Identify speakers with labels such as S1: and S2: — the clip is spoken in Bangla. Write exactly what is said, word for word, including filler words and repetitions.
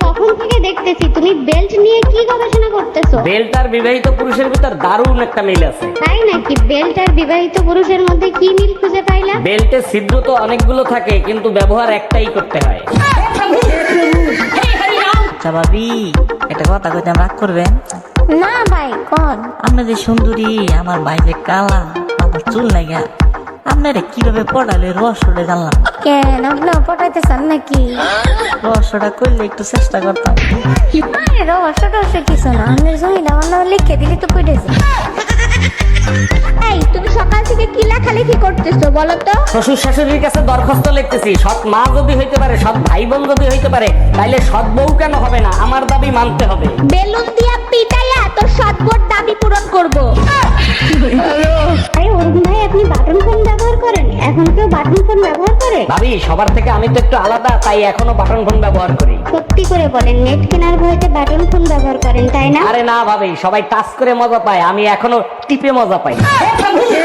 S1: কখন থেকে দেখতেছি তুমি বেল্ট নিয়ে কি গবেষণা করতেছো।
S2: বেল্ট আর বিবাহিত পুরুষের ভিতর দারুণ একটা মিল আছে।
S1: তাই নাকি? বেল্ট আর বিবাহিত পুরুষের মধ্যে কি মিল খুঁজে পাইলা?
S2: বেল্টে ছিদ্র তো অনেকগুলো থাকে, কিন্তু ব্যবহার একটাই করতে হয়।
S3: আচ্ছা ভাবি, একটা কথা কইতে রাগ করবেন
S4: না ভাই কোন?
S3: আপনি যে সুন্দরী, আমার ভাই যে কালা, আমার চুল লাগা, আপনারা কিভাবে পড়ালে রহস্যটা জানলাম।
S4: কেন আপনি পটাইতে চান নাকি?
S3: রহস্যটা করলে একটু চেষ্টা করতাম।
S4: আরে রহস্য টহস্য কিছু না, আপনার জমিটা আমার নামে লিখে দিলি তো কইতেছে।
S1: এই তুমি সকাল থেকে কি লেখালেখি করতেছো বলো তো?
S2: শ্বশুর শাশুড়ির কাছে দরখাস্ত লিখতেছি, সৎ মা যদি হইতে পারে, সৎ ভাই বোন যদি হইতে পারে, তাইলে সৎ বউ কেন হবে না? আমার দাবি মানতে হবে।
S1: বেলুন দিয়া পিটাইয়া তোর সৎবোর দাবি পূরণ করব। আরে অরুণ ভাই, আপনি বাটন ফোন ব্যবহার করেন? এখন কেউ বাটন ফোন ব্যবহার করে?
S2: ভাবি, সবার থেকে আমি তো একটু আলাদা, তাই এখনো বাটন ফোন ব্যবহার করি।
S1: সত্যি করে বলেন, নেট কেনার ভয়তে বাটন ফোন ব্যবহার করেন তাই না?
S2: আরে না ভাবি, সবাই টাচ করে মজা পায়, আমি এখনো টিপে মজা পাই।